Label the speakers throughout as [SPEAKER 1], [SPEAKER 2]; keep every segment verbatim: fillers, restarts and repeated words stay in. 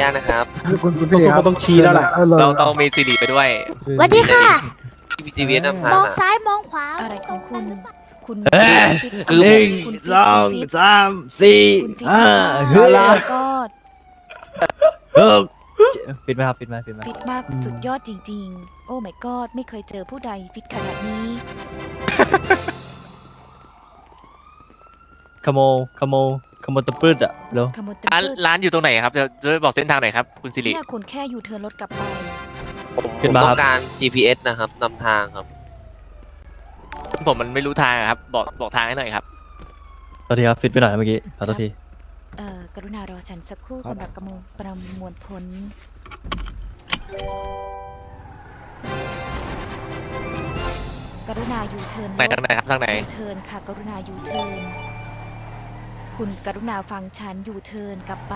[SPEAKER 1] ากนะครับ
[SPEAKER 2] คุณคุณสิริครับ
[SPEAKER 3] ต้องชี้แล้วล่ะ
[SPEAKER 1] เราต้องมีสิริไปด้วย
[SPEAKER 4] สวัสดีค่ะ
[SPEAKER 1] พีจีวีนำทาง
[SPEAKER 4] มอง
[SPEAKER 1] อะ
[SPEAKER 4] ซ้ายมองขวา
[SPEAKER 5] อะไรของคุณ คุณ
[SPEAKER 3] เอ้ย
[SPEAKER 5] ฟิต
[SPEAKER 1] คือ
[SPEAKER 3] หนึ่ง
[SPEAKER 5] คุณฟิต
[SPEAKER 3] สอง
[SPEAKER 5] คุณฟิต
[SPEAKER 3] สามสี่
[SPEAKER 5] คุณฟิต
[SPEAKER 3] ห้า
[SPEAKER 5] ฟิ
[SPEAKER 3] ห
[SPEAKER 5] ต
[SPEAKER 3] ก
[SPEAKER 5] มากก็
[SPEAKER 3] หกฟิตไหมครับฟิตไหมฟิตไหม
[SPEAKER 5] ฟิตมากสุดยอดจริง ๆ โอ้ my god ไม่เคยเจอผู้ใดฟิตขนาดนี้
[SPEAKER 3] ขโมยขโมยขโมยตะปืดอ่ะเร็ว
[SPEAKER 5] ขโมยตะ
[SPEAKER 1] ร้าน
[SPEAKER 5] พืช
[SPEAKER 1] ร้านอยู่ตรงไหนครับจะจะบอกเส้นทางหน่อยครับคุณสิริ
[SPEAKER 5] เนี่ยคุณแค่อยู่เทิร์นรถกลับไป
[SPEAKER 1] ผมผมต้องการ จี พี เอส นะครับนำทางครับ ผมมันไม่รู้ทางอะครับ บอกบอกทางให้หน่อยครับ
[SPEAKER 3] สวัสดีครับฟิตไปหน่อยนะเมื่อกี้ขอโทษที
[SPEAKER 5] เอ่อกรุณารอฉันสักครู่สำหรับกระมวลประมวลผล กรุณาอยู่เทิร์น
[SPEAKER 1] ไหนทางไหนครับทางไหน
[SPEAKER 5] ยูเทิร์นค่ะ กรุณาอยู่เทิร์นคุณกรุณาฟังฉันอยู่เทิร์นกลับไป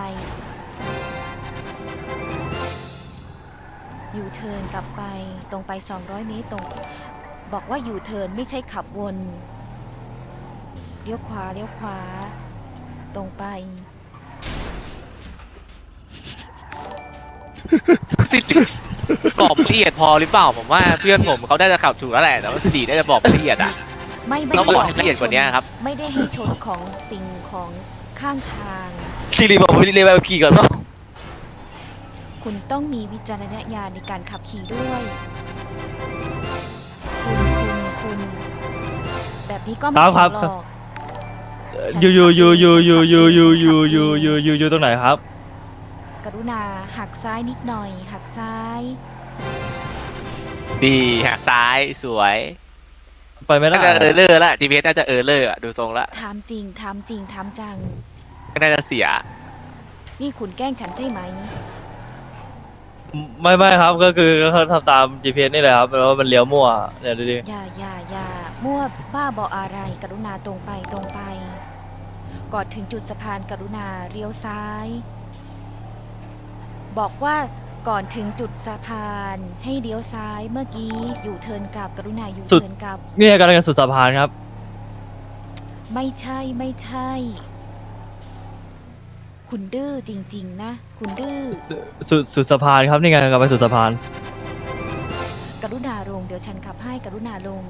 [SPEAKER 5] อยู่เทิร์นกลับไปตรงไปสองร้อยเมตรตรง บอกว่าอยู่เทิร์นไม่ใช่ขับวนเลี้ยวขวาเลี้ยวขวา ตรงไป
[SPEAKER 1] สิริบอกละเอียดพอหรือเปล่าผมว่าเพื่อนผมเขาได้จะขับถูกแล้วแหละแต่ว่าสิริน่าจะบอกละเอียดอ่ะ
[SPEAKER 5] ไม่ไม่
[SPEAKER 1] ต้อง
[SPEAKER 5] ได้
[SPEAKER 1] บอกให้ละเอียดกว่านี้ครับ
[SPEAKER 5] ไม่ได้ให้ชนของสิ่งของข้างทาง
[SPEAKER 1] สิริบอกผมเรียนแบบขี่ก่อนเนาะ
[SPEAKER 5] คุณต้องมีวิจารณญาณในการขับขี่ด้วย คุณคุณคุณแบบนี้ก็ไม่
[SPEAKER 3] ครับ
[SPEAKER 5] ถูก
[SPEAKER 3] ครับ
[SPEAKER 5] หรอก
[SPEAKER 3] อยู่อยู่อยู่อยู่อยู่อยู่อยู่อยู่อยู่อยู่อยู่อยู่ตรงไหนครับ
[SPEAKER 5] กรุณาหักซ้ายนิดหน่อย หักซ้าย
[SPEAKER 1] ดีหักซ้ายสวย
[SPEAKER 3] ไปไม่ได้
[SPEAKER 1] น่าจะเออเลอร์ละ จี พี เอส น่าจะเออเลอร์อะดูทรงละ
[SPEAKER 5] ถามจริง ถามจริง ถามจัง
[SPEAKER 1] ไม่น่าจะเสีย
[SPEAKER 5] นี่คุณแกล้งฉันใช่ไหม
[SPEAKER 3] ไม่ไม่ครับก็คือเขาทำตาม จี พี เอส นี่แหละครับแล้วมันเลี้ยวมั่วเนี่ยดูดิ
[SPEAKER 5] อย่าอย่าอย่ามั่วบ้าบออะไร กรุณาตรงไปตรงไป ก่อนถึงจุดสะพานกรุณาเลี้ยวซ้าย บอกว่าก่อนถึงจุดสะพานให้เลี้ยวซ้ายเมื่อกี้อยู่เทิร์นกลับกรุณาอยู่เทิร์นกลับ
[SPEAKER 3] เนี่ยกำลังจะสุดสะพานครับ
[SPEAKER 5] ไม่ใช่ไม่ใช่ คุณดื้อจริง ๆ นะ คุณดื้อ
[SPEAKER 3] สุสุดสุดสะพานครับนี่ไงกำลังไปสุดสะพาน
[SPEAKER 5] กรุณาลงเดี๋ยวฉันขับให้กรุณาลง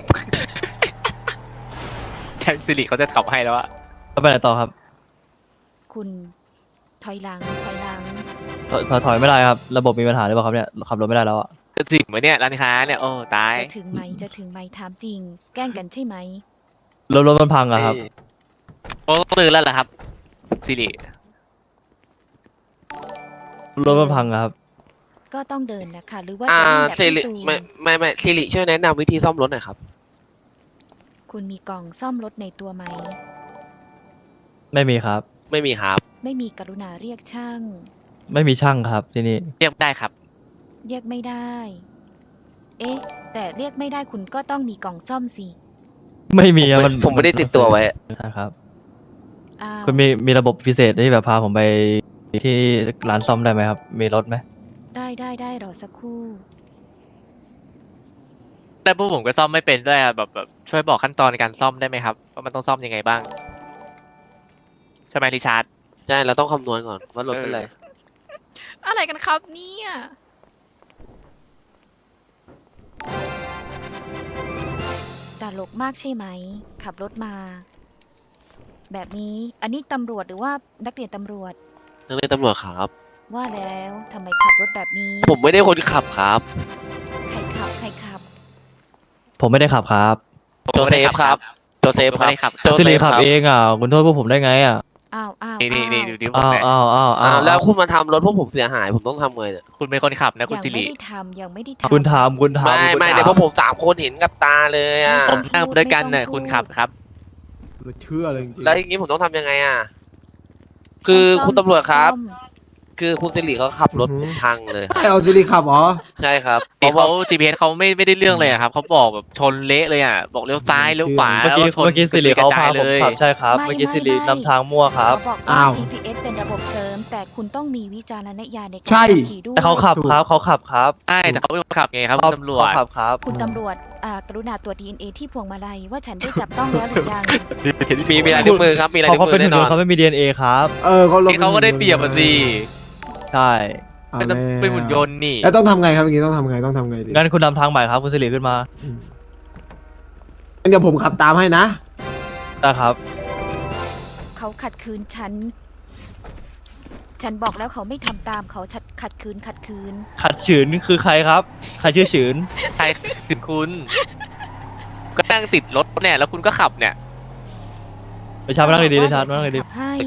[SPEAKER 1] แทนสิริเขาจะขับให้แล้วอะ
[SPEAKER 3] แล้วไปไหนต่อครับ
[SPEAKER 5] คุณถอยหลังถอยหลัง
[SPEAKER 3] ถอยถอยถอยไม่ได้ครับระบบมีปัญหาหรือเปล่าครับเนี่ยขับรถไม่ได้แล้วอ่ะ
[SPEAKER 1] จะถึงไหมเนี่ยร้านค้าเนี่ยโอ้ตาย
[SPEAKER 5] จะถึงไหมจะถึงไหมถามจริง แกล้งกันใช่ไหม
[SPEAKER 3] รถรถมันพังอะครับ
[SPEAKER 1] โอ้ตื่นแล้วเหรอครับสิริ
[SPEAKER 3] รถมันพังอะครับ
[SPEAKER 5] ก็ต้องเดินนะคะหรือว่า
[SPEAKER 1] อ่า
[SPEAKER 5] จะวิ่งแบบ
[SPEAKER 1] สิ
[SPEAKER 5] พี่
[SPEAKER 1] ริ
[SPEAKER 5] ตูน
[SPEAKER 1] ไม่ไม่ไม่สิริช่วยแนะนำวิธีซ่อมรถหน่อยครับ
[SPEAKER 5] คุณมีกล่องซ่อมรถในตัวไหม
[SPEAKER 3] ไม่มีครับ
[SPEAKER 1] ไม่มีครับ
[SPEAKER 5] ไม่มีกรุณาเรียกช่าง
[SPEAKER 3] ไม่มีช่างครับที่นี่
[SPEAKER 1] เรียกได้ครับ
[SPEAKER 5] เรียกไม่ได้ เอ๊ะ แต่เรียกไม่ได้คุณก็ต้องมีกล่องซ่อมสิ
[SPEAKER 3] ไม่มีอะ
[SPEAKER 1] ผม
[SPEAKER 3] มัน
[SPEAKER 1] ผมไม่ได้ติดตัวไว้
[SPEAKER 3] ใช่ครับ
[SPEAKER 5] อ้าว
[SPEAKER 3] คุณมีมีระบบพิเศษที่แบบพาผมไปที่ร้านซ่อมได้ไหมครับ มีรถไหม
[SPEAKER 5] ได้ได้ได้รอสักครู่
[SPEAKER 1] แต่พวกผมก็ซ่อมไม่เป็นด้วยอะแบบแบบช่วยบอกขั้นตอนในการซ่อมได้ไหมครับว่ามันต้องซ่อมยังไงบ้างใช่ไหมริชาร์ดใช่เราต้องคำนวณก่อนว่ารถเป็นไร
[SPEAKER 5] อะไรกันครับเนี่ยตลกมากใช่ไหม ขับรถมา แบบนี้ อันนี้ตำรวจหรือว่านักเรียนตำรวจ
[SPEAKER 1] นักเรียนตำรวจครับ
[SPEAKER 5] ว่าแล้วทำไมขับรถแบบนี้
[SPEAKER 1] ผมไม่ได้คนขับครับ
[SPEAKER 5] ใครขับ ใครขับ
[SPEAKER 3] ผมไม่ได้ขับครับ
[SPEAKER 1] โจเซฟครับโจเซฟครับโจ
[SPEAKER 3] สิ
[SPEAKER 1] เซ
[SPEAKER 3] ริ
[SPEAKER 1] ฟ
[SPEAKER 3] ขับ
[SPEAKER 1] ครับ
[SPEAKER 3] เองอ่ะคุณโทษพวกผมได้ไงอ่ะ
[SPEAKER 5] อ้าวอ้าว
[SPEAKER 1] นี่นี่นี่ดูดิผม
[SPEAKER 3] อ้าว
[SPEAKER 1] เนี่ย
[SPEAKER 3] อ้าวอ้าว
[SPEAKER 1] อ้า
[SPEAKER 3] อ้าว ว
[SPEAKER 1] แล้วคุณมาทำรถพวกผมเสียหายผมต้องทำไงเนี่ยคุณเป็นคนขับนะคุณ
[SPEAKER 5] ยัง
[SPEAKER 1] สิ
[SPEAKER 5] ไม่
[SPEAKER 1] ริ
[SPEAKER 5] ได้ทำยังไม่ได้ทำ
[SPEAKER 3] คุณถามคุณถาม
[SPEAKER 1] ไม่
[SPEAKER 3] คุณ
[SPEAKER 1] ไม่
[SPEAKER 3] ถา
[SPEAKER 1] เดี๋ยวพวกผมสามคนเห็นกับตาเลยอ่ะ
[SPEAKER 5] ไม่
[SPEAKER 1] ผ
[SPEAKER 5] ต้อ
[SPEAKER 1] ม
[SPEAKER 5] ง
[SPEAKER 1] นั่ง
[SPEAKER 5] พูด
[SPEAKER 1] ด้วยกัน
[SPEAKER 5] ไม่
[SPEAKER 1] เนี่ย
[SPEAKER 5] ต้อง
[SPEAKER 1] คุณ
[SPEAKER 5] พูด
[SPEAKER 1] ขับครับ
[SPEAKER 2] เชื่อเลยจริงๆ
[SPEAKER 1] แล้วอย่างนี้ผมต้องทำยังไงอ่ะคือคุณตำรวจครับ
[SPEAKER 5] ซ่อม
[SPEAKER 1] คือคุณสิริเขาขับรถผมพังเลย
[SPEAKER 2] ใช่เอาสิริขับเหรอ
[SPEAKER 1] ใช่ครับเพราะเขา จี พี เอส เขาไม่ไม่ได้เรื่องเลยอะครับเขาบอกแบบชนเละเลยอ่ะบอกเลี้ยวซ้ายเลี้ยวขวา
[SPEAKER 3] เมื่อกี้
[SPEAKER 1] แล้วชน
[SPEAKER 3] เมื่อกี้สิริเขาพาผมขับ
[SPEAKER 1] เลย
[SPEAKER 3] ใช่ครับ
[SPEAKER 5] ไม่
[SPEAKER 3] เมื่อกี้
[SPEAKER 5] ไม่
[SPEAKER 3] สิริ
[SPEAKER 5] ไม่
[SPEAKER 3] นำทางมั่วครับ
[SPEAKER 5] เขาบอกว่า
[SPEAKER 2] อ้าว
[SPEAKER 5] จี พี เอส เป็นระบบเสริม แต่คุณต้องมีวิจารณญาณในการ
[SPEAKER 2] ใช่
[SPEAKER 5] ขับขี่ด้วย
[SPEAKER 3] แต่เขาขับครับเขาขับครับ
[SPEAKER 1] ใช่แต่เขาเป็นคนขับไงครับ
[SPEAKER 3] เขา
[SPEAKER 1] คุณตำรวจ
[SPEAKER 3] เขาขับครับ
[SPEAKER 5] คุณตำรวจอ่ากรุณาตรวจ ดี เอ็น เอ ที่พวงมาลัยว่าฉันได้จับต้องแล้วหรือยัง
[SPEAKER 1] มีมีลายนิ้วมือครับมีลาย
[SPEAKER 3] เขา
[SPEAKER 1] นิ้ว
[SPEAKER 3] เขา
[SPEAKER 1] มื
[SPEAKER 3] เป็น
[SPEAKER 1] อ
[SPEAKER 3] หุ่น
[SPEAKER 1] แน่นอน
[SPEAKER 3] ยนต์เขาไม่มี ดี เอ็น เอ ครับ
[SPEAKER 2] เออเขาลง
[SPEAKER 1] ที่เขาก็ได้เปรียบอ่ะสิ
[SPEAKER 3] ใช่
[SPEAKER 2] เอา
[SPEAKER 1] เป็น
[SPEAKER 2] แล้ว
[SPEAKER 1] เป็นหุ่นยนต์นี่
[SPEAKER 2] แล้วต้องทำไงครับอย่างงี้ต้องทำไงต้องทำไงดี
[SPEAKER 3] งั้นคุณนำทางใหม่ครับคุณสิริขึ้นมา
[SPEAKER 2] อืมงั้นเดี๋ยวผมขับตามให้นะ
[SPEAKER 3] ได้ครับ
[SPEAKER 5] เขาขัดขืนฉัน ฉันบอกแล้วเขาไม่ทำตามเขาขัดขัดขืนขัดขืน
[SPEAKER 3] ขัดขืนคือใครครับ ใครชื่อขืน
[SPEAKER 1] ใครถึงคุณ ก็นั่งติดรถเนี่ยแล้วคุณก็ขับเนี่ย
[SPEAKER 3] ไปชาร์จมานั่งดีๆเลยชาร์จมานั่งดี
[SPEAKER 5] ขับให้
[SPEAKER 1] โอเค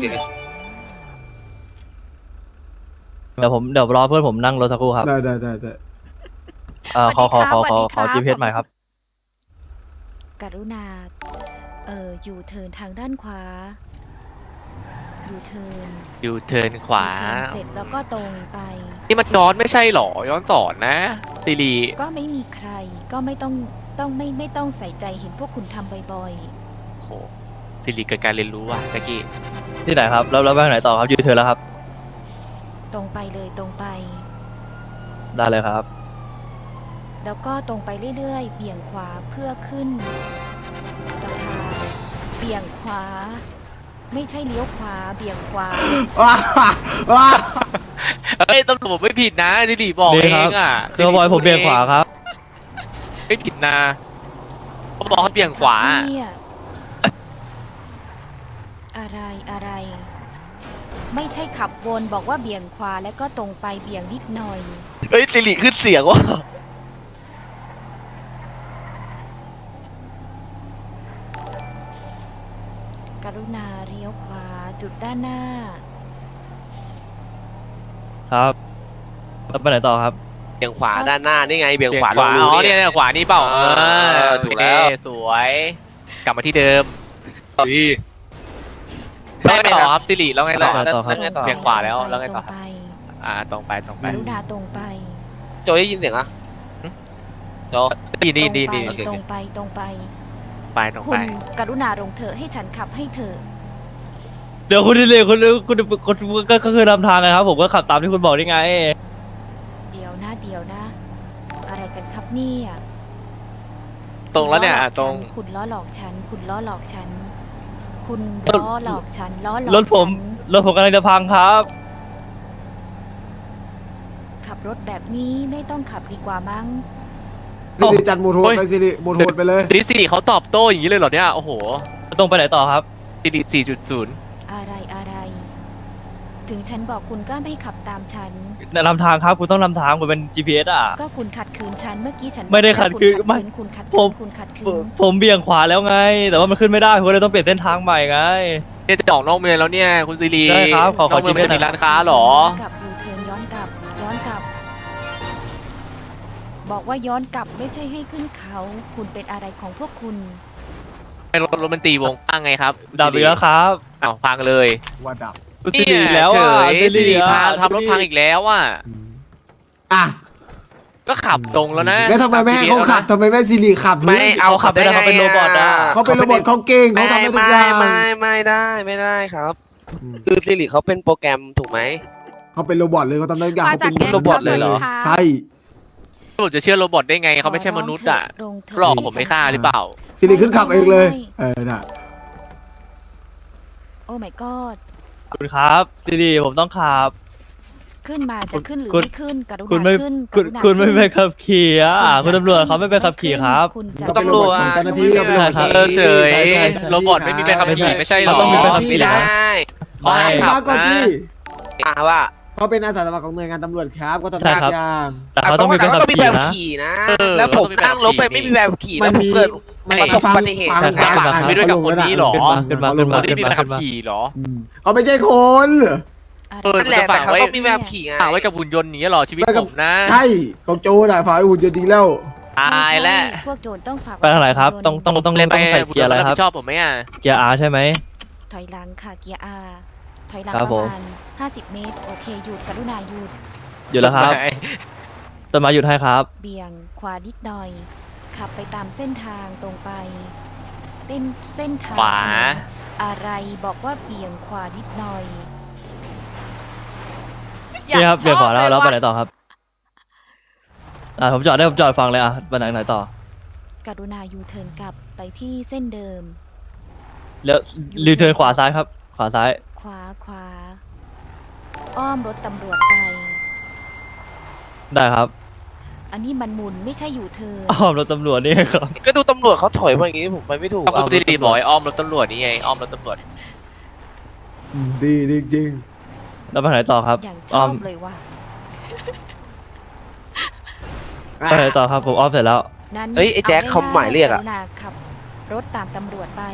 [SPEAKER 3] ๆเดี๋ยวผมเดี๋ยวรอเพื่อนผมนั่งรถสักครู่ครับ
[SPEAKER 2] ได้ได้ได้ได้
[SPEAKER 3] เอ่อขอขอขอขอขอ จี พี เอส ใหม่ครับ
[SPEAKER 5] กรุณา เอ่อ อยู่เทิร์นทางด้านขวา อยู่เทิร์น
[SPEAKER 1] อยู่เทิร์นขวา
[SPEAKER 5] อยู่เทิร์นเสร็จแล้วก็ตรงไป
[SPEAKER 1] นี่มันย้อนไม่ใช่หรอ ย้อนสอนนะซีรี
[SPEAKER 5] ก็ไม่มีใคร ก็ไม่ต้อง ต้องไม่ไม่ต้องใส่ใจเห็นพวกคุณทำบ่อย
[SPEAKER 1] โหซีรีเกิดการเรียนรู้ว่ะตะกี้
[SPEAKER 3] ที่ไหนครับ แล้วแล้วไปทางไหนต่อครับยูเทิร์นแล้วครับ
[SPEAKER 5] ๆ ตรงไปเลยตรงไป
[SPEAKER 3] ได้เลยครับ
[SPEAKER 5] แล้วก็ตรงไปเรื่อยๆ เบี่ยงขวาเพื่อขึ้นสะพานเบี่ยงขวา ไม่ใช่เลี้ยวขวา เบี่ยงขวา
[SPEAKER 2] ว้าว้า
[SPEAKER 1] เฮ้ยตำรวจไม่ผิดนะซีรีบอก
[SPEAKER 3] นี่
[SPEAKER 1] เอ
[SPEAKER 3] ครั
[SPEAKER 1] ง
[SPEAKER 3] บ
[SPEAKER 1] อ่ะ
[SPEAKER 3] เซอร์บอยผมเบี่ยงขวาครับ
[SPEAKER 1] ไม่ผิดนะเขาบอกเขาเบี่ยงขวา
[SPEAKER 5] เนี่ยอะไรอะไร ไม่ใช่ขับวนบอกว่าเบี่ยงขวาแล้วก็ตรงไปเบี่ยงนิดหน่อย
[SPEAKER 4] เฮ้ยสิริขึ้นเสียงว่ะ
[SPEAKER 5] กรุณาเลี้ยวขวาจุดด้านหน้า
[SPEAKER 3] ครับแล้วไปไหนต่อครับ
[SPEAKER 4] เบี่ยงขวาด้านหน้านี่ไงเบี่ยง
[SPEAKER 1] เบี่ยง
[SPEAKER 4] ขวา
[SPEAKER 1] ขวา
[SPEAKER 4] ล
[SPEAKER 1] อ๋
[SPEAKER 4] ง
[SPEAKER 1] อ
[SPEAKER 4] รู
[SPEAKER 1] เนี่ย
[SPEAKER 4] เนี่ย
[SPEAKER 1] เนี่ยขวานี่เปล่าเอ
[SPEAKER 4] เอ
[SPEAKER 1] อ
[SPEAKER 4] อถูกแล้ว
[SPEAKER 1] โอเคสวย กลับมาที่เดิม
[SPEAKER 4] ดี
[SPEAKER 1] แล้วไงต่อครับซิริแล้วไงต่อ
[SPEAKER 3] ไปต่อครับ
[SPEAKER 4] แล้วไงต่อ
[SPEAKER 1] เบี่ยงขวาแล้วแล้วไงต่อ
[SPEAKER 5] ตรงไป
[SPEAKER 1] อ่าตรงไปตรง
[SPEAKER 5] ก
[SPEAKER 1] ไป
[SPEAKER 5] รุณาตรงไป
[SPEAKER 4] โจได้ยินเสียงอ่ะโจ
[SPEAKER 1] ดีดีดีดี
[SPEAKER 5] ตรง
[SPEAKER 4] โอเค
[SPEAKER 5] ไปตรงไปตรงไป
[SPEAKER 1] ไปตรง
[SPEAKER 5] คุ
[SPEAKER 1] ไป
[SPEAKER 5] ณกรุณาลงเถอะให้ฉันขับให้เถอะ
[SPEAKER 3] เดี๋ยวคุณสิริคุณคุณคุณก็ก็คือนำทางไงครับ ผมก็ขับตามที่คุณบอกนี่ไง
[SPEAKER 5] เดี๋ยวนะเดี๋ยวนะ อะไรกันครับเนี่ย
[SPEAKER 1] ตรงแล้วเนี่ย
[SPEAKER 5] คุณล้อหลอก
[SPEAKER 1] ตรง
[SPEAKER 5] ฉันคุณล้อหลอกฉัน คุณล้อหลอกฉัน คุณล้อหลอกฉันล้อหลอก
[SPEAKER 3] รถผม
[SPEAKER 5] ฉัน
[SPEAKER 3] รถผมกำลังจะพังครับ
[SPEAKER 5] ขับรถแบบนี้ไม่ต้องขับดีกว่ามั้ง
[SPEAKER 2] สิริจัดโหมดโหดไปสิริโหมดโหดไปเลย
[SPEAKER 1] ซิริซิริเขาตอบโต้อย่างนี้เลยเหรอเนี่ยโอ้โห
[SPEAKER 3] ตรงไปไหนต่อครับ
[SPEAKER 1] ซิริสี่จุดศูนย์
[SPEAKER 5] อะไรอะไร ถึงฉันบอกคุณก็ไม่ขับตามฉัน
[SPEAKER 3] นำทางครับ คุณต้องนำทางคุณเป็น จี พี เอส อ่ะ
[SPEAKER 5] ก็คุณขัดขืนฉันเมื่อกี้ฉัน
[SPEAKER 3] ไม่ได้ขัดขืน
[SPEAKER 5] คุณ
[SPEAKER 3] ไม่
[SPEAKER 5] คุณขัด
[SPEAKER 3] ผ
[SPEAKER 5] ขื
[SPEAKER 3] ม
[SPEAKER 5] นคุณขัดขื
[SPEAKER 3] ผม
[SPEAKER 5] น
[SPEAKER 3] ผมเบี่ยงขวาแล้วไง แต่ว่ามันขึ้นไม่ได้ผมก็เลยต้องเปลี่ยนเส้นทางใหม่ไง
[SPEAKER 1] เนี่ยจะออกนอกเมืองแล้วเนี่ยคุณซิริ
[SPEAKER 3] ได้ครับขอขอน
[SPEAKER 1] อกเมือง
[SPEAKER 3] จี
[SPEAKER 1] มัน
[SPEAKER 3] พี
[SPEAKER 1] จะ
[SPEAKER 3] เอส
[SPEAKER 1] มีร้านค้าเหรอ
[SPEAKER 5] กลับยูเทิร์นย้อนกลับ ย้อนกลับ บอกว่าย้อนกลับไม่ใช่ให้ขึ้นเขา คุณเป็นอะไรของพวกคุณ
[SPEAKER 1] เป็นรถรถมันตีวงพังไงครับ
[SPEAKER 3] ดับอีกแล้วครับ
[SPEAKER 1] อ้าวพังเลย
[SPEAKER 2] ว่าดับ
[SPEAKER 3] คุณสิริอีกแล้ว
[SPEAKER 1] เฉ
[SPEAKER 3] อ่ะ
[SPEAKER 1] ย
[SPEAKER 3] สิ
[SPEAKER 1] ซิ
[SPEAKER 3] ริ
[SPEAKER 1] ริ
[SPEAKER 3] อ่ะ
[SPEAKER 1] พาทำรถพังอีกแล้วอ่ะ
[SPEAKER 2] อืมอ่ะ
[SPEAKER 1] ก็ขับตรงแล้วนะ
[SPEAKER 2] แล้วทำไมไม่ให้เขาขับทำไมไม่สิริขับ
[SPEAKER 4] ไม่เอา
[SPEAKER 3] เขาขับไม่ได้เขาเป็นโรบอทอะ
[SPEAKER 2] เขาเป็นระบบเขาเก่งเขา
[SPEAKER 4] ไม่
[SPEAKER 2] ทำได้ทุก
[SPEAKER 4] ไม่
[SPEAKER 2] อย่าง
[SPEAKER 4] ไม่ไม่ได้ไม่ได้ครับ
[SPEAKER 2] อืม
[SPEAKER 4] คือสิริเขาเป็นโปรแกรมถูกไหม
[SPEAKER 2] เขาเป็นโรบอทเลยเขาทำได้ทุกอย่าง
[SPEAKER 5] มา
[SPEAKER 2] เขา
[SPEAKER 5] จาก
[SPEAKER 2] เป็น
[SPEAKER 5] แก๊ง
[SPEAKER 4] โรบอทเลยเหรอ
[SPEAKER 5] ครับ
[SPEAKER 2] ใช่
[SPEAKER 1] ผมจะเชื่อโรบอทได้ไงเขาไม่ใช่มนุษย์อ่ะ
[SPEAKER 5] ลงเถ
[SPEAKER 1] หลอกผมไม่ฆ่าหรือเปล่า
[SPEAKER 2] สิริขึ้นขับเองเลย เออน่ะ
[SPEAKER 5] โอ้ my god
[SPEAKER 3] ขอบคุณครับสิริผมต้องขับ
[SPEAKER 5] ขึ้นมาจะขึ้นหรือ
[SPEAKER 3] คุณ
[SPEAKER 5] ไม่ขึ้น กรุ
[SPEAKER 3] คุณ
[SPEAKER 5] ณา
[SPEAKER 3] ไม่
[SPEAKER 5] ขึ้นก
[SPEAKER 3] คุณ
[SPEAKER 5] รุณา
[SPEAKER 3] คุณไม่
[SPEAKER 5] ขึ้น
[SPEAKER 3] ไปขับขี่อ่ะ
[SPEAKER 5] ณ
[SPEAKER 3] คุณ
[SPEAKER 5] จะ
[SPEAKER 3] ตำรวจ
[SPEAKER 5] ขึ้น
[SPEAKER 3] เขาไม่ไปขับขี่ครับ
[SPEAKER 5] คุณจะ
[SPEAKER 2] ก็เป็นโรบอทของเจ้าหน้าที่ก็เป็นโรบอท
[SPEAKER 3] ใช่ครับ
[SPEAKER 1] เออเฉย
[SPEAKER 3] ใช่ใช่ใช่
[SPEAKER 1] โรบอทไม่มีใบขับขี่ไม่ใช่หรอ
[SPEAKER 3] เขาต้องมีใบขับขี่
[SPEAKER 4] ไม่ได้
[SPEAKER 1] เขาให้
[SPEAKER 2] ไม่
[SPEAKER 1] ขั
[SPEAKER 2] มา
[SPEAKER 1] บ
[SPEAKER 2] ก่อน
[SPEAKER 1] นะ
[SPEAKER 2] พี่
[SPEAKER 4] อ่าว่า
[SPEAKER 2] เขาเป็นอาสาสมัครของหน่วยงานตำรวจครับก็ทำ
[SPEAKER 3] ใช่
[SPEAKER 2] ได้
[SPEAKER 3] ครับ
[SPEAKER 2] ทุกอย่าง
[SPEAKER 3] แต่เขาต้องมีใบ
[SPEAKER 4] แต่
[SPEAKER 3] ขับ
[SPEAKER 4] ต้องมี
[SPEAKER 3] ขี่
[SPEAKER 4] แบบ
[SPEAKER 3] นะ
[SPEAKER 4] ขี่นะ
[SPEAKER 1] เออ
[SPEAKER 4] แล้วผม
[SPEAKER 1] ต้องมีแบบ
[SPEAKER 4] นั่งรถไป
[SPEAKER 1] ขี่
[SPEAKER 4] ไม่มีแบบขี่แล้วผมเกิด
[SPEAKER 2] ไม่
[SPEAKER 4] ประสบ
[SPEAKER 2] ฟัง
[SPEAKER 4] อุบัติเหตุ
[SPEAKER 2] ฟัง
[SPEAKER 1] จะฝาก
[SPEAKER 2] อ่
[SPEAKER 1] ชีวิตด้วยกับคนนี้เหรอ
[SPEAKER 3] ขึ้นมาขึ้นมา
[SPEAKER 1] คนที่มีใบขับ
[SPEAKER 3] ขึ้นมา
[SPEAKER 1] ขี่เหรอ
[SPEAKER 2] อืมเขาไม่ใช่คน
[SPEAKER 5] อะไร
[SPEAKER 1] เออ
[SPEAKER 4] นั่นแหละแต่เขาต้องมีแบบขี่ไง
[SPEAKER 1] ฝากไว้กับหุ่นยนต์อย่างนี้เหรอชีวิต
[SPEAKER 2] ไม่กับ
[SPEAKER 1] ผมนะ
[SPEAKER 2] ใช่เขาโจรอ่ะฝ่ายหุ่นยนต์ดีแล้ว
[SPEAKER 1] ตายแล้ว
[SPEAKER 5] ไม่ใช่พวกโจรต้องฝาก
[SPEAKER 3] ไปทางไหนครับ ต้องต้องต้อง
[SPEAKER 1] เลย
[SPEAKER 3] ต้อง
[SPEAKER 1] ไป
[SPEAKER 3] ใส่เกียร์อะไรครับ
[SPEAKER 1] ชอบผมไหมอ่ะ
[SPEAKER 3] เกียร์ R ใช่ไหม
[SPEAKER 5] ถอยหลังค่ะเกียร์ R ถอยหลัง
[SPEAKER 3] ครั
[SPEAKER 5] ป
[SPEAKER 3] บผม
[SPEAKER 5] ระมาณห้าสิบเมตร โอเคหยุดกรุณาหยุด
[SPEAKER 3] อยู่แล้วครับต้นไม้หยุดให้ครับ
[SPEAKER 5] เบี่ยงขวานิดหน่อย ขับไปตามเส้นทางตรงไป เต้นเส้นทาง
[SPEAKER 1] ขวา
[SPEAKER 5] อะไรบอกว่าเบี่ยงขวานิดหน่อย
[SPEAKER 3] นี่ครับเบี่ยงขวาแล้วแล้วไปไหน
[SPEAKER 5] ต่อ
[SPEAKER 3] ต่อครับอ่าผมจอดได้ผมจอดฟังเลยอ่ะไปไหนไหนต่อ
[SPEAKER 5] กรุณายูเทิร์นกลับไปที่เส้นเดิม
[SPEAKER 3] แล้วรีเทิร์นขวาซ้ายครับ ขวาซ้าย
[SPEAKER 5] ขวาขวาอ้อมรถตำรวจไป
[SPEAKER 3] ได้ครับ
[SPEAKER 5] อันนี้มันหมุนไม่ใช่อยู่เธอ
[SPEAKER 3] อ้อมรถตำรวจนี่ครับ
[SPEAKER 4] ก็ดูตำรวจเขาถอยมาอย่างงี้ผมไปไม่ถูก
[SPEAKER 1] ก็คุณสิริบอกให้อ้อมรถตำรวจนี่ไงอ้อมรถตำรวจ
[SPEAKER 2] อืมดีดีจริง
[SPEAKER 3] แล้วไปไหนต่อครับ
[SPEAKER 5] อย่างช
[SPEAKER 3] อ้
[SPEAKER 5] อ
[SPEAKER 3] อม
[SPEAKER 5] บเลยว่า
[SPEAKER 3] ไปไหนต่อครับผมอ้อมเสร็จแล้ว
[SPEAKER 5] นั้น
[SPEAKER 4] เฮ้ยไอ้แจ็คเขาหมายเรียกอะ
[SPEAKER 5] รุณาขับรถตามตำรวจไป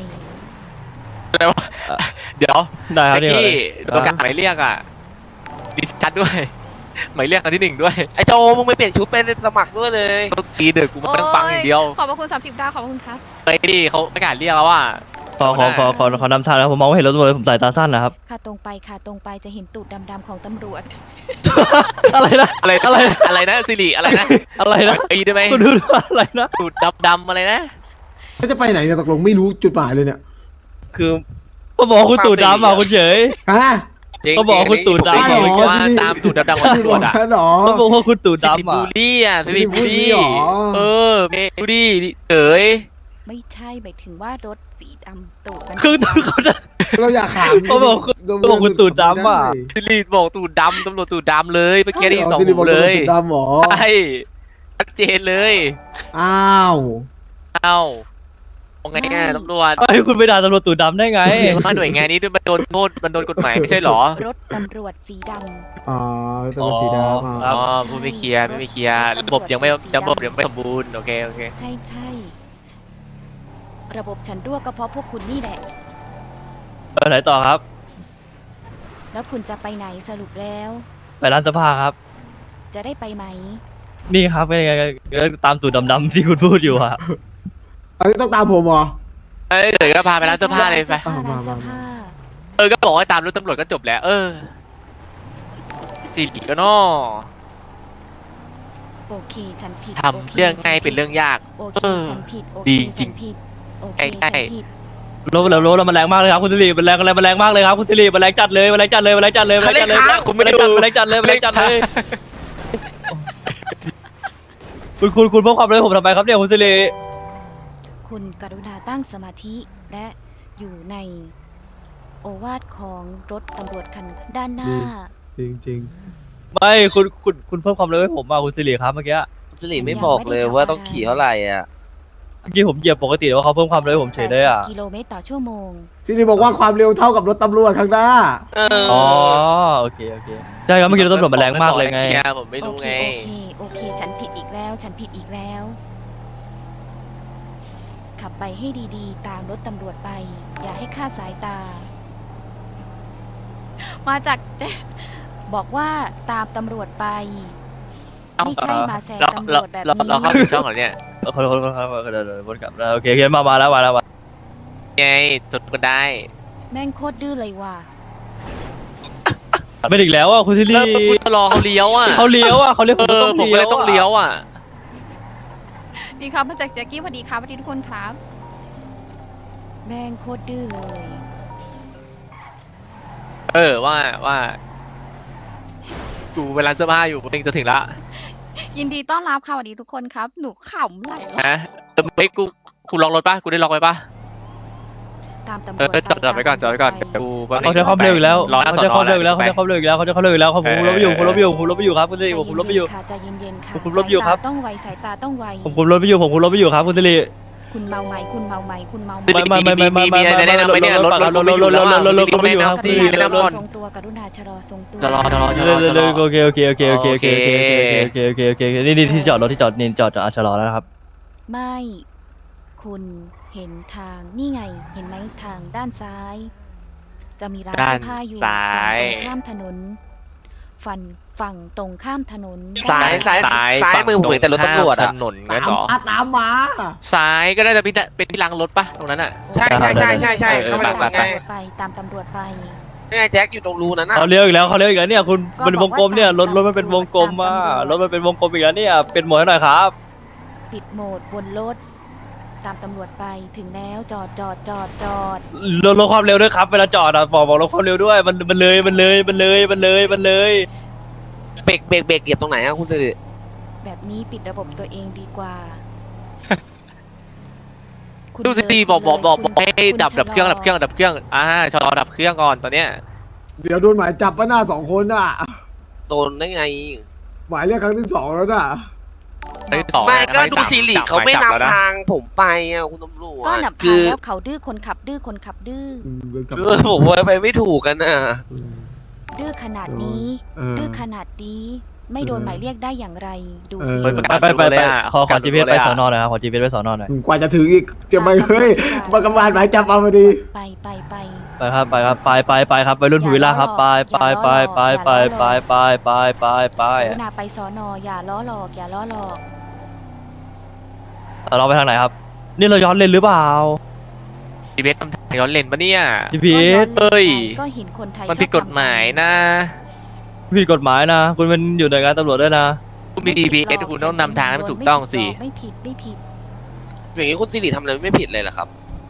[SPEAKER 1] เดี๋ยว
[SPEAKER 3] ได้ครับ
[SPEAKER 1] แจ็ค
[SPEAKER 3] นี่
[SPEAKER 1] กี้
[SPEAKER 3] ก่อน
[SPEAKER 1] ประกาศหมายเรียกอ่ะดิชัดด้วยหมายเรียกครั้งที่หนึ่งด้วย
[SPEAKER 4] ไอ้โจมึงไปเปลี่ยนชุดเป็นสมัครด้วยเลย
[SPEAKER 1] ต้องตีเดือดกูไม่ต้องฟังอย่างเดียว
[SPEAKER 5] ขอบพระคุณสามสิบดาวขอบคุณครับ
[SPEAKER 1] ไปดิเขาประกาศเรียกแล้วว่า
[SPEAKER 3] ขอขอขอขอขอนำทางนะครับผมมองไม่เห็นรถตำรวจผมสายตาสั้นนะครับ
[SPEAKER 5] ค่ะตรงไปค่ะตรงไปจะเห็นตูดดำๆของตำรวจ
[SPEAKER 3] อะไรนะ
[SPEAKER 1] อะไรอะไรอะไรนะสิริอะไรนะ
[SPEAKER 3] อะไรนะ
[SPEAKER 1] ตีได้ไหม
[SPEAKER 3] คุณดูว่าอะไรนะ
[SPEAKER 1] ตูดดำๆอะไรนะ
[SPEAKER 2] แล้วจะไปไหนเนี่ยตกลงไม่รู้จุดหมายเลยเนี่ย
[SPEAKER 4] คือ
[SPEAKER 3] เขาบอกว่าคุณตู่ดำอ่ะคุณเฉย
[SPEAKER 2] ฮะ
[SPEAKER 4] จริง
[SPEAKER 3] เขาบอกคุณตู่ดำ
[SPEAKER 2] ได้เหรอ
[SPEAKER 1] ว่าตามตูดดำๆของตำรวจอ่ะ
[SPEAKER 2] หรอ
[SPEAKER 3] เขาบอกว่าคุณตู่
[SPEAKER 1] สิริ
[SPEAKER 3] ดำ
[SPEAKER 1] บุ
[SPEAKER 3] อ่ะ
[SPEAKER 1] รีอ่ะสิริบุรี
[SPEAKER 2] สิริบุรีเหรอ
[SPEAKER 1] เออดูดิเอ๋ย
[SPEAKER 5] ไม่ใช่หมายถึงว่ารถสีดำตูดมัน
[SPEAKER 3] คือเขาจะ
[SPEAKER 2] เราอยากถาม
[SPEAKER 3] เขาบอกคุณเขาบอกคุณตู่ดำอะ
[SPEAKER 1] สิริบอกตูดดำตำรวจตูดดำเลยเมื่อกี้ได้ยินสอง
[SPEAKER 2] สิริ
[SPEAKER 1] หู
[SPEAKER 2] บอก
[SPEAKER 1] เลย
[SPEAKER 2] ตูดดำเหรอ
[SPEAKER 1] ใช่ชัดเจนเลย
[SPEAKER 2] อ้าว
[SPEAKER 1] เอ้าเอาไงอ่ะตำรวจ
[SPEAKER 3] ไอ้คุณไปด่าตำรวจตู่ดำได้ไง
[SPEAKER 1] ว่าหน่วยงานนี้ด้วยมันโดนโทษมันโดนกฎหมายไม่ใช่เหรอ
[SPEAKER 5] รถตำรวจสีด
[SPEAKER 2] อ๋อตัวสีดำ
[SPEAKER 3] ค
[SPEAKER 2] อ่ะ
[SPEAKER 3] รับ
[SPEAKER 1] อ๋อพูดไม่เคลียร์ไม่เคลียร์ระบบยังไม่ระบบยังไม่สมบูรณ์โอเคโอเค
[SPEAKER 5] ำใช่ใช่ระบบฉันรั่วก็เพราะพวกคุณนี่แหละ
[SPEAKER 3] ไปไหนต่อครับ
[SPEAKER 5] แล้วคุณจะไปไหนสรุปแล้ว
[SPEAKER 3] ไปร้านเสภาครับ
[SPEAKER 5] จะได้ไปไหม
[SPEAKER 3] นี่ครับเป็นไงก็ตามตู่ดำๆที่คุณพูดอยู่อะ
[SPEAKER 2] อันนี้ต้องตามผมเหรอ
[SPEAKER 1] เอ้ยเดี๋ยวก็พาไปร้านเสื้อผ้าเลยไป
[SPEAKER 5] ร้านเสื้อผ้า
[SPEAKER 1] เออก็บอกว่าตามรถตำรวจก็จบแล้ว เออสิริก็นอ
[SPEAKER 5] โอเคฉันผิด
[SPEAKER 1] ทำเรื่องง่ายเป็นเรื่องยาก
[SPEAKER 5] โอเค
[SPEAKER 1] เออ
[SPEAKER 5] ฉันผิดโอเค
[SPEAKER 1] ดีจริ
[SPEAKER 5] ฉั
[SPEAKER 1] ง
[SPEAKER 5] นผิดโอเค
[SPEAKER 1] ใกล้
[SPEAKER 5] ฉัน
[SPEAKER 1] ๆ
[SPEAKER 5] ผิด
[SPEAKER 3] รถแล้วรถแล้วมันแรงมากเลยครับคุณสิริมันแรงอะไรมันแรงมากเลยครับคุณสิริมันแรงจัดเลยมันแรงจัดเลยมันแรงจัดเลยมันแรงจัดเลย
[SPEAKER 1] เขาเรียกค้างคุณไม่ได้ดู
[SPEAKER 3] มันแรงจัดเลยมันแรงจัดเลยคุณคุณคุณเพิ่มความเร็วให้ผมทำไมครับเนี่ยคุณสิริ
[SPEAKER 5] คุณกรุณาตั้งสมาธิและอยู่ในโอวาทของรถตำรวจคันด้านหน้า
[SPEAKER 2] จริงจริง
[SPEAKER 3] ไม่คุณคุณคุณเพิ่มความเร็วให้ผมมาคุณสิริครับเมื่อกี้
[SPEAKER 4] สิริไม่บอกเลยว่าต้องขี่เท่าไหร่อ่ะ
[SPEAKER 3] เมื่อกี้ผมเหยียบปกติแต่ว่าเขาเพิ่มความเร็วให้ผมเฉยเลยอ่ะ
[SPEAKER 5] แปดสิบกิโลเมตรต่อชั่วโมง
[SPEAKER 2] สิริบอกว่าความเร็วเท่ากับรถตำรวจข้างหน้า
[SPEAKER 4] เออ
[SPEAKER 3] อ๋อโอเคโอเคใช่ครับเมื่อกี้รถตำรวจมันแรงมากเลยไง
[SPEAKER 1] คร์ผมไม่
[SPEAKER 5] โอ
[SPEAKER 1] รู้
[SPEAKER 5] เค
[SPEAKER 1] ไง
[SPEAKER 5] โอเคโอเค ฉันผิดอีกแล้ว ฉันผิดอีกแล้ว ขับไปให้ดีๆ ตามรถตำรวจไป อย่าให้คลาดสายตา มาจากเจ๊บอกว่าตามตำรวจไป ไม่ใช่มาแซง
[SPEAKER 1] เรา
[SPEAKER 5] ตำร
[SPEAKER 1] เรา
[SPEAKER 5] วจแบบ
[SPEAKER 1] เรา
[SPEAKER 5] นี้
[SPEAKER 1] เราเข้าผิดช่องเหรอเนี่ย
[SPEAKER 3] ขอโทษขอโทษครับเดี๋ยวเดี๋ยววนกลับโอเคโอเคมามาแล้วมาแล้วมา
[SPEAKER 1] ไงจดกันได้
[SPEAKER 5] แม่งโคตรดื้อเลยว่ะ
[SPEAKER 3] ไม่อีกแล้วอ่ะคุณสิริ
[SPEAKER 1] แล้วกูจะรอเขาเลี้ยวอ่ะ
[SPEAKER 3] เขาเลี้ยวอ่ะเขาเลี้ยว
[SPEAKER 1] เออผมก็เลยต้องเลี้ยวอ่ะ
[SPEAKER 5] ดีครับมาจากแจ็คกี้สวัสดีครับสวัสดีทุกคนครับ แม่งโคตรดื้อเลย
[SPEAKER 1] เออว่าว่ากูเวลาเสื้อผ้าอยู่เองจะถึงละ
[SPEAKER 5] ยินดีต้อนรับค่ะสวัสดีทุกคนครับ หนูขำไหลแล้ว
[SPEAKER 1] นะเออเฮ้ยกูกูล็อกรถป่ะกูได้ล็อกไว้ป่ะ
[SPEAKER 5] ตามตำร
[SPEAKER 1] เอ
[SPEAKER 5] ว
[SPEAKER 1] อ
[SPEAKER 5] จ
[SPEAKER 1] จอดจอดไว้ก่อนจอดไว้ก่อนกู
[SPEAKER 3] เขาจะเข้าเร็วอีกแล้ว
[SPEAKER 1] รอหน้า
[SPEAKER 3] เขา
[SPEAKER 1] สอน
[SPEAKER 3] จะ
[SPEAKER 1] อ
[SPEAKER 3] เข้าเร็วอีกแล้ว
[SPEAKER 1] ไป
[SPEAKER 3] เขาจะเข้าเร็วอีกแล้วเขาจะเข้าเร็วอีกแล้วเขาจะเข้าเร็วอีกแล้วผมคุมรถไม่อยู่ผมคุมรถไม่อยู่ผมคุมรถไม่อยู่ครับคุณสิริผมคุมรถไม่อยู่
[SPEAKER 5] ค่ะใจเย็นๆค่ะ
[SPEAKER 3] ผมคุมรถอยู่ครับ
[SPEAKER 5] สายตาต้องไวสายตาต้องไว
[SPEAKER 3] ผมคุมรถไม่อยู่ผมคุมรถไม่อยู่ครับคุณสิริ
[SPEAKER 5] คุณเมาไหมคุณเมาไหมคุณเมาไหม
[SPEAKER 3] ไม่ไม่ไม่ไม่ไม่
[SPEAKER 1] มีอะไรแนะนำไหมเนี่ยรถรถรถรถรถรถรถรถรถรถไม่อยู่ครับ
[SPEAKER 5] ก
[SPEAKER 1] ที่
[SPEAKER 5] รุณา
[SPEAKER 1] แนะ
[SPEAKER 5] ชะ
[SPEAKER 1] นำ
[SPEAKER 5] ลอ
[SPEAKER 1] ก่อน
[SPEAKER 5] ทรงตัวกรุณาชะลอทรงตัว
[SPEAKER 1] จะรอจะรอจะร
[SPEAKER 3] เร็
[SPEAKER 1] อ
[SPEAKER 3] ว
[SPEAKER 1] จะร
[SPEAKER 3] เร็ว
[SPEAKER 1] อ
[SPEAKER 3] โอเคโอเคโอเคโอเคโอเคโอเคโอเคโอเคโอเคนี่นี่ที่จอดรถที่จอดนี่จอดจอดชะลอแล้วนะครับ
[SPEAKER 5] ไม่ คุณเห็นทางนี่ไงเห็นไหมทางด้านซ้าย จะมีร้าน
[SPEAKER 1] ด้าน
[SPEAKER 5] เสื้อผ้าอยู่
[SPEAKER 1] ซ้าย
[SPEAKER 5] ฝั่งตรงข้ามถนนฝั่งฝั่งตรงข้ามถนน
[SPEAKER 4] ซ้ายซ้ายซ้ายมือผมเห็นแต่รถตำรวจ
[SPEAKER 1] ถ
[SPEAKER 4] อ่ะ
[SPEAKER 1] นนงั้น
[SPEAKER 2] ตาม
[SPEAKER 1] เหรอ
[SPEAKER 2] อ่ะตามมา
[SPEAKER 1] ซ้ายก็น่าจะเป็นเป็นที่ล้างรถป่ะตรงนั้นอ่ะ
[SPEAKER 4] ใช่ใช่ใช่ใช่ใช่
[SPEAKER 1] เออ
[SPEAKER 4] เขาไม่
[SPEAKER 1] ไป
[SPEAKER 4] ได้
[SPEAKER 1] ไป
[SPEAKER 4] ไง
[SPEAKER 5] ไปตามตำรวจไป
[SPEAKER 4] นี่ไงแจ็คอยู่ตรงรูนั้นน่ะ
[SPEAKER 3] เขาเลี้ยวอีกแล้วเขาเลี้ยวอีกแล้วเนี่ยคุณ
[SPEAKER 5] ก็
[SPEAKER 3] เป็นวงกลมเนี่ยรถรถมันเป็นวงกลม
[SPEAKER 5] ตาม
[SPEAKER 3] อ่ะ
[SPEAKER 5] ตำรวจ
[SPEAKER 3] รถมันเป็นวงกลมอีกแล้วเนี่ยเป็นหมวดให้หน่อยครับ
[SPEAKER 5] ปิดโหมดบนรถ ตามตำรวจไปถึงแล้วจอดจอดจอดจอด
[SPEAKER 3] ลดลดความเร็วด้วยครับเวลาจอดอ่ะบอกบอกลดความเร็วด้วยมันมันเลยมันเลยมันเลยมันเลยมันเลย
[SPEAKER 4] เบรกเบรกเบรกเหยียบตรงไหนอ่ะคุณสิริ
[SPEAKER 5] แบบนี้ปิดระบบตัวเองดีกว่าคุณ
[SPEAKER 1] ดูสิ
[SPEAKER 5] เลย
[SPEAKER 1] บอกบอกบอก
[SPEAKER 5] คุณ
[SPEAKER 1] บอกให้
[SPEAKER 5] คุณ
[SPEAKER 1] ดับดับเครื่อง
[SPEAKER 5] ชะล
[SPEAKER 1] ดับเครื่องดับเครื่องอ่าชะลอดับเครื่องก่อนตอนเนี้ย
[SPEAKER 2] เดี๋ยวโดนหมายจับปะหน้าสองคนอ่ะ
[SPEAKER 4] โดนได้ไง
[SPEAKER 2] หมายเรียกครั้งที่สองแล้วน่ะ
[SPEAKER 1] ครั้งที่สอง
[SPEAKER 4] ไม่
[SPEAKER 1] นะ
[SPEAKER 4] ก็
[SPEAKER 1] ครั้ง
[SPEAKER 4] ดู
[SPEAKER 1] ที่ส
[SPEAKER 4] ซีรี
[SPEAKER 1] จับ
[SPEAKER 4] เขาไม่
[SPEAKER 1] หยจับแล้ว
[SPEAKER 4] นำ
[SPEAKER 1] นะ
[SPEAKER 4] ทางผมไปอ่ะคุณตำรวจ
[SPEAKER 5] ก็หนับ
[SPEAKER 4] คื
[SPEAKER 5] ทาง
[SPEAKER 4] อ
[SPEAKER 5] แล้วเขาดื้อคนขับดื้อคนขับดื้อ
[SPEAKER 2] อืมเดินกลับ
[SPEAKER 4] คือผมว่าไปไม่ถูกกันน่ะ
[SPEAKER 2] อืม
[SPEAKER 5] ดื้อขนาดนี้
[SPEAKER 2] เออ
[SPEAKER 5] ดื้อขนาดนี้ ไม่โดนหมายเรียกได้อย่างไร ดูสิ
[SPEAKER 2] เออ
[SPEAKER 3] ไปไปไปไปขอขอ จี พี เอส ไปสอนอหน่อยครับขอ จี พี เอส ไปสอนอหน่อย
[SPEAKER 2] กว่าจะถึงอีกจะไปเฮ้ยมากำบาลหมายจับเอามาดี
[SPEAKER 5] ไปไปไป
[SPEAKER 3] ไปครับไปครับไปไปไปครับไปรุ่นภูวิลล่าครับไปไปไปไปไปไปไปไปไปไป
[SPEAKER 5] กรุณาไปสอนออย่าล้อหลอกอย่าล้อหลอก
[SPEAKER 3] เราไปทางไหนครับ นี่เราย้อนเลนหรือเปล่า
[SPEAKER 1] จีเบสทำทางย้อนเลนปะเนี่ย
[SPEAKER 3] จี พี เอส
[SPEAKER 1] เอ้ย
[SPEAKER 5] ก็เห็นคนไทย
[SPEAKER 1] มันผิดกฎหมายนะ
[SPEAKER 3] ผิดกฎหมายนะ คุณเป็นอยู่หน่วยงานตำรวจด้วยนะ
[SPEAKER 1] คุณมี จี พี เอส คุณต้องนำทางให้มันถูกต้องสิ
[SPEAKER 5] ไม่ผิดไม่ผิด
[SPEAKER 4] อย่างนี้คุณซีรีทำอะไรไม่ผิดเลยเหรอครับ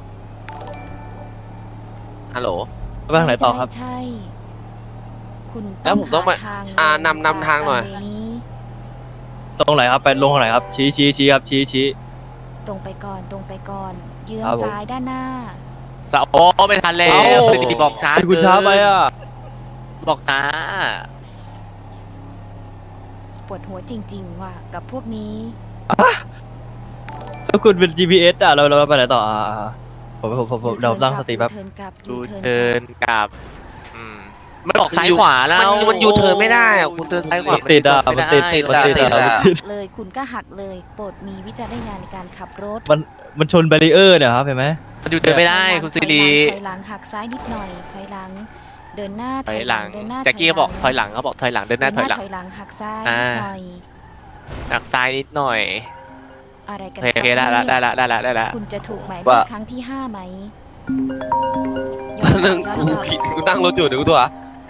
[SPEAKER 4] ฮัลโหล
[SPEAKER 3] ไปทางไหนต่อครับ
[SPEAKER 5] ใช่ใช่คุณ
[SPEAKER 4] แล้วผมต้องมา
[SPEAKER 5] หทง
[SPEAKER 4] อ่านำนำทางหน่อย
[SPEAKER 5] ไปนี้
[SPEAKER 3] ตรงไหนครับไปลงทางไหนครับ ชี้ชี้ชี้ครับชี้ชี้
[SPEAKER 5] ตรงไปก่อนตรงไปก่อนเยื้อง
[SPEAKER 3] ครับผม
[SPEAKER 5] ซ้ายด้านหน้า
[SPEAKER 1] สาวโอ้ไม่ทันแล้ว
[SPEAKER 4] เอ้า
[SPEAKER 1] คือดีบอกช้า
[SPEAKER 3] คุณช้าไปอ่ะ
[SPEAKER 1] บอกช้า
[SPEAKER 5] ปวดหัวจริง ๆ ว่ะกับพวกนี้
[SPEAKER 3] แล้วคุณเป็น จี พี เอส อ่ะเราเราไปไหนต่ออ่าผมผมผมผมเราตั้งสติแป๊บ
[SPEAKER 5] ยูเทิร์นกลับ
[SPEAKER 1] ดู
[SPEAKER 5] ยูเทิร์น
[SPEAKER 1] เทิร์น
[SPEAKER 5] กลับ
[SPEAKER 1] กับอืมมันออกซ้ายขวาแล้ว
[SPEAKER 4] มันมันยูเทิร์นไม่ได้อะคุณ
[SPEAKER 1] เทิร์นซ้ายขวา
[SPEAKER 3] ติดอ่ะ
[SPEAKER 1] มั
[SPEAKER 3] มัน
[SPEAKER 1] น
[SPEAKER 3] ติด
[SPEAKER 1] ติด
[SPEAKER 3] มันติด
[SPEAKER 4] ติด
[SPEAKER 3] อ่ะ
[SPEAKER 4] อะ
[SPEAKER 3] มันติด
[SPEAKER 5] เลยคุณก็หักเลยโปรดมีวิจารณญาณในการขับรถ
[SPEAKER 3] มันมันชนแบรีเออร์เนี่ยครับเห็นไหม
[SPEAKER 1] มันอยู่เดินไม่ได้คุณซีรี
[SPEAKER 5] ถอยหลังหักซ้ายนิดหน่อยถอยหลัง เดินหน้า
[SPEAKER 1] ถอยหลัง
[SPEAKER 5] เดินหน้า
[SPEAKER 1] แจ็คกี้เขาบอกถอยหลังเขาบอกถอยหลังเดินหน้าถอยหลัง
[SPEAKER 5] ถอยหลังหักซ้าย
[SPEAKER 1] อ่า
[SPEAKER 5] นิดหน่อย
[SPEAKER 1] หักซ้ายนิดหน่อย
[SPEAKER 5] อะไรกัน
[SPEAKER 1] โอเคโอเคได้ละได้ละได้ละได้ละ
[SPEAKER 5] คุณจะถูกหมายเรี
[SPEAKER 4] ว่า
[SPEAKER 5] ยกครั้งที่ห้าไหมย้อน
[SPEAKER 4] นั่ง
[SPEAKER 5] กลับ
[SPEAKER 4] กู
[SPEAKER 5] ย้อนกลับ
[SPEAKER 4] คิดกูนั่งรถอยู่เดี๋ยวกูตัว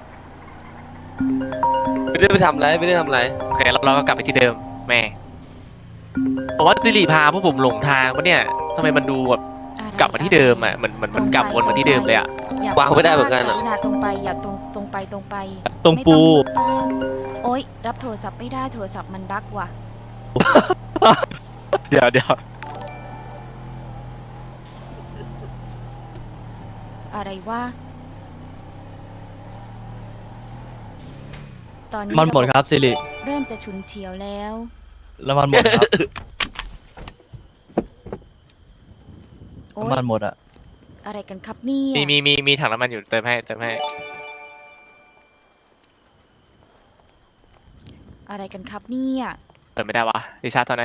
[SPEAKER 4] ไม่ได้ไปทำอะไรไม่ได้ทำอะไร
[SPEAKER 1] โอเคเราเราก็กลับไปที่เดิมแม่ผมว่าซีรีพาพวกผมหลงทางปะเนี่ยทำไมมันดูแบบ
[SPEAKER 5] อะไร
[SPEAKER 1] กลับมาที่เดิมอ่ะเหมือนเหมือนมันกลับวนมาที่เดิมเลยอ่ะ
[SPEAKER 5] อย่
[SPEAKER 4] วางไม่ได้เหมือนกัน
[SPEAKER 5] ก
[SPEAKER 4] อะ
[SPEAKER 5] รุณาตรงไปอย่าตรงตรงไปตรงไป
[SPEAKER 3] ตรงปู
[SPEAKER 5] ไม่ต้องแป้งโอ๊ยรับโทรศัพท์ไม่ได้โทรศัพท์มันบั๊กว่ะ
[SPEAKER 1] เดี๋ยวเดี๋ยว
[SPEAKER 5] อะไรวะตอนนี้
[SPEAKER 3] มันหมดครับสิริ
[SPEAKER 5] เริ่มจะฉุนเฉียวแล้ว
[SPEAKER 3] แล้วมันหมดครับ
[SPEAKER 5] โอ๊ย
[SPEAKER 3] น้ำมันหมดอ่ะ
[SPEAKER 5] อะไรกันครับเนี่ย
[SPEAKER 1] มีมีมีมีถังน้ำมันอยู่เติมให้เติมให้
[SPEAKER 5] อะไรกันครับเนี่ย
[SPEAKER 1] เติมไม่ได้วะดิชาร์จตอนไหน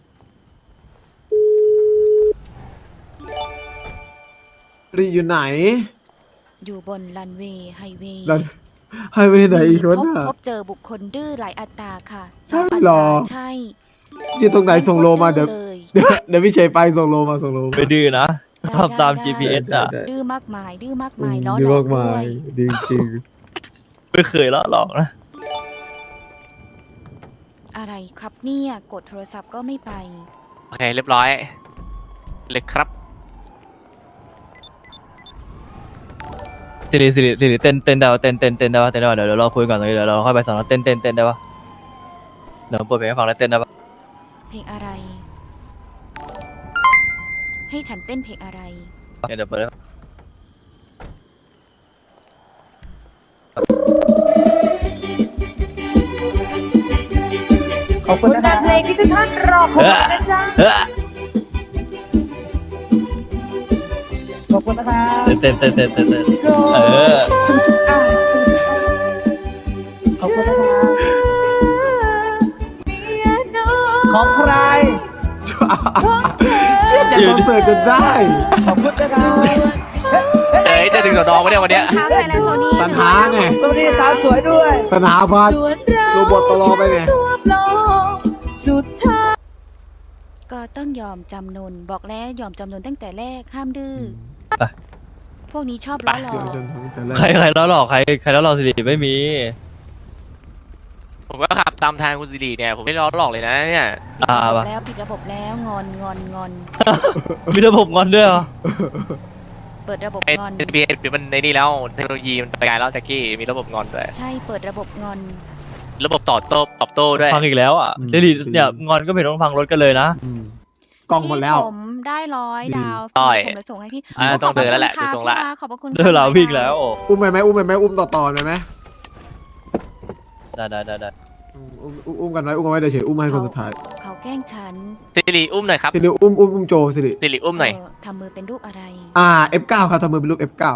[SPEAKER 2] รีอยู่ไหน
[SPEAKER 5] อยู่บนรันเวย์ไฮเวย์
[SPEAKER 2] แล้วให้ไปไหนอีกวะ
[SPEAKER 5] พบ
[SPEAKER 2] น่ะ
[SPEAKER 5] พบเจอบุคคลดื้อหลายอัตราค่ะ
[SPEAKER 2] ใช่
[SPEAKER 5] สาม
[SPEAKER 2] หรอ
[SPEAKER 5] อัตราใช่
[SPEAKER 2] อยู่ตรงไหนส่งโลมาเดี๋ยว
[SPEAKER 5] เลย
[SPEAKER 2] เดี๋ยวเดี๋ยวพี่เฉยไปส่งโลมาส่งโลมา
[SPEAKER 3] ไปดื้อนะ
[SPEAKER 5] ได้
[SPEAKER 3] ทำตาม
[SPEAKER 5] ได้
[SPEAKER 3] จี พี เอส อ่ะ
[SPEAKER 2] ได้
[SPEAKER 5] ดื้อมากมายดื้อมาก
[SPEAKER 2] อื
[SPEAKER 5] มาย
[SPEAKER 2] ม
[SPEAKER 5] ล้อ
[SPEAKER 2] ดี
[SPEAKER 5] หลอ
[SPEAKER 2] มาก กมา
[SPEAKER 5] ด้วย ย
[SPEAKER 2] ดีจริง
[SPEAKER 3] ไม่เคยละหลอกนะ
[SPEAKER 5] อะไรครับเนี่ยกดโทรศัพท์ก็ไม่ไป
[SPEAKER 1] โอเคเรียบร้อยเลยครับ
[SPEAKER 3] สิริสิริสิริเต้นเต้นได้ปะเต้นเต้นเต้นได้ปะเต้นได้ปะเดี๋ยวเดี๋ยวเราคุยก่อนตรงนี้เดี๋ยวเราค่อยไปสอนอเต้นเต้นเต้นได้ปะเดี๋ยวผมเปิดเพลงให้ฟังแล้วเต้นได้ปะ
[SPEAKER 5] เพลงอะไร ให้ฉันเต้นเพลงอะไร
[SPEAKER 3] เดี๋ยวเปิดให้
[SPEAKER 6] ขอบคุณงานเพลงที่ทุกท่านรอคอยนะจ๊ะ
[SPEAKER 3] เฮ้ย
[SPEAKER 6] ขอบคุณนะคะ
[SPEAKER 3] เต้นเต้นเต้นเต้นเต้น เออ
[SPEAKER 6] จุ๊บจุ๊บอ่ะจุ๊บจุ๊บอ่ะขอบคุณนะคะของใคร
[SPEAKER 2] เชื่อใจคอนเสิร์ตจนได้
[SPEAKER 6] ขอบคุณนะคะ
[SPEAKER 1] เอ้ยจะถึงสอนอมาเนี่ยวันเนี้ย
[SPEAKER 5] ค้างไทยแลนด์โซนี่
[SPEAKER 2] ปัญหาไง
[SPEAKER 6] สวัสดีสาวสวยด้วย
[SPEAKER 2] สนาพัฒน์โรบอทตลอไปไง
[SPEAKER 6] สุดท้าย
[SPEAKER 5] ก็ต้องยอมจำนนบอกแล้วยอมจำนนตั้งแต่แรกห้ามดื้อ
[SPEAKER 3] ไป
[SPEAKER 5] พวกนี้ชอบล้อหลอ
[SPEAKER 2] เดี๋ยว
[SPEAKER 5] ก
[SPEAKER 2] จนถึงแต่แรก
[SPEAKER 3] ใครใครแล้วหลอกใครใครแล้วหลอกสิริไม่มี
[SPEAKER 1] ผมก็ขับตามทางคุณซีรีเนี่ยผมไม่ล้อหลอกเลยนะเนี่ย
[SPEAKER 5] ผิด
[SPEAKER 3] อ่า
[SPEAKER 5] ระบบ
[SPEAKER 3] ปะ
[SPEAKER 5] แล้วผิดระบบแล้วงอนงอนงอน
[SPEAKER 3] มีระบบงอนด้วยเหรอ
[SPEAKER 5] เปิดระบบ
[SPEAKER 1] เอ็น
[SPEAKER 5] งอน
[SPEAKER 1] บีเอมันในนี่แล้วเทคโนโลยีมันไปไกลแล้วแจ็คกี้มีระบบงอนด้วย
[SPEAKER 5] ใช่เปิดระบบงอน
[SPEAKER 1] ระบบตอบโต้ตอบโต้ด้วย
[SPEAKER 3] ฟังอีกแล้วอ่ะสิริเนี่ยงอนก็ไม่ต้องฟังรถกันเลยนะ
[SPEAKER 2] อืมกล่องหมดแล้ว
[SPEAKER 5] พี่ผมได้ร้อย
[SPEAKER 2] ดี
[SPEAKER 5] ดาว
[SPEAKER 1] อ้อย
[SPEAKER 5] ผมจะส่งให้พี่
[SPEAKER 1] อ่า
[SPEAKER 5] โ
[SPEAKER 1] ต้องเจอแล้วแหละ
[SPEAKER 5] ขอบ
[SPEAKER 1] ดู
[SPEAKER 5] คุณ
[SPEAKER 1] ทรงละ
[SPEAKER 5] ค่ะขอบพระคุณ
[SPEAKER 3] เดี๋ยวเราวิ่งแล้ว
[SPEAKER 2] อุ้มไปไหมอุ้มไปไหมอุ้มต่อต่อไปไหม
[SPEAKER 3] ได้ได้ได้ได้
[SPEAKER 2] อืมอุ้มอุ้มอุ้มกันไว้อุ้มกันไว้เดี๋ยวเฉยอุ้มให้คนสุดท้าย
[SPEAKER 5] เขาแกล้งฉัน
[SPEAKER 1] สิริอุ้มหน่อยครับ
[SPEAKER 2] สิริอุ้มอุ้มอุ้มโจสิริ
[SPEAKER 1] สิริอุ้มหน่อย
[SPEAKER 5] เทำมือเป็นรูปอะไร
[SPEAKER 2] อ่า เอฟ เก้า ครับทำมือเป็นรูป เอฟ เก้า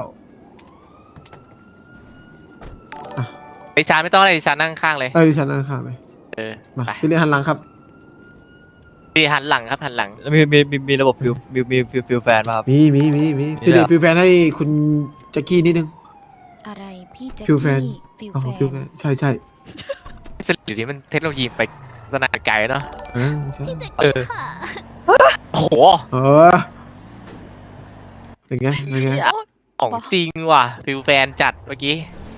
[SPEAKER 1] ลิชาร์ดไม่ต้องอะไรลิชาร์ดนั่งข้างเลย
[SPEAKER 2] เอ้ยดิฉันนั่งข้างเลย
[SPEAKER 1] เออ
[SPEAKER 2] มา
[SPEAKER 1] ไป
[SPEAKER 2] สิริหันหลังครับ
[SPEAKER 1] สิริหันหลังครับหันหลัง
[SPEAKER 3] แล้วมีมีมีมีระบบฟิลมีมีฟิลฟิลแฟนป่ะครับ
[SPEAKER 2] มีมีมีมี
[SPEAKER 3] มี
[SPEAKER 2] สิริ
[SPEAKER 3] ด้วยเหรอ
[SPEAKER 2] ฟิลแฟนให้คุณแจ็คกี้นิดนึง
[SPEAKER 5] อะไรพี่แจ็ค
[SPEAKER 2] ฟิลแฟน
[SPEAKER 5] กี้ฟิล
[SPEAKER 2] เอา
[SPEAKER 5] แฟ
[SPEAKER 2] ฟิลแฟ
[SPEAKER 5] น
[SPEAKER 2] นใช่ใช่
[SPEAKER 1] สิรินี่มันเทคโนโลยีไปขนาดไกลเนาะ
[SPEAKER 2] เออใช่
[SPEAKER 1] เออ โอ้โห
[SPEAKER 2] เออเป็นไงเป็นไง
[SPEAKER 1] ของจริงว่ะฟิลแฟนจัดเมื่อกี้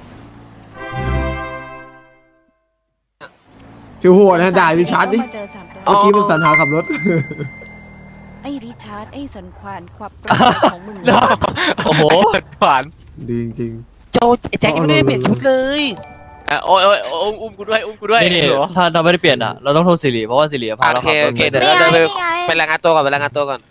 [SPEAKER 2] ฟิลโหดนะด่าริชาร์ดดิ
[SPEAKER 5] เขมาเจอสามตัว
[SPEAKER 2] เมื่อกี้มันสันหาขับรถ
[SPEAKER 5] ไอ้ริชาร์ดไอ้สันควานควบปลาของมึง
[SPEAKER 3] โอ้โห
[SPEAKER 1] ขวาน
[SPEAKER 2] ดีจริง
[SPEAKER 4] โจแจ็คยังไม่ได้เปลี่ยนชุดเลย
[SPEAKER 1] อ่ะโอ้ยโอ้ยโอ้ยอุ้มกูด้วยอุ้มกูด้วย
[SPEAKER 3] นี่นี่
[SPEAKER 1] เหรอ
[SPEAKER 3] ถ้าเราไม่ได้เปลี่ยนอ่ะเราต้องโทรสิริเพราะว่าสิริพาเรา
[SPEAKER 4] โอเค
[SPEAKER 3] ขับร
[SPEAKER 4] โอ
[SPEAKER 3] ถ
[SPEAKER 4] เค
[SPEAKER 3] มา
[SPEAKER 4] เดี๋ยวเราจะไปไปรายงานตัวก่อนไปรายงานตัวก่อน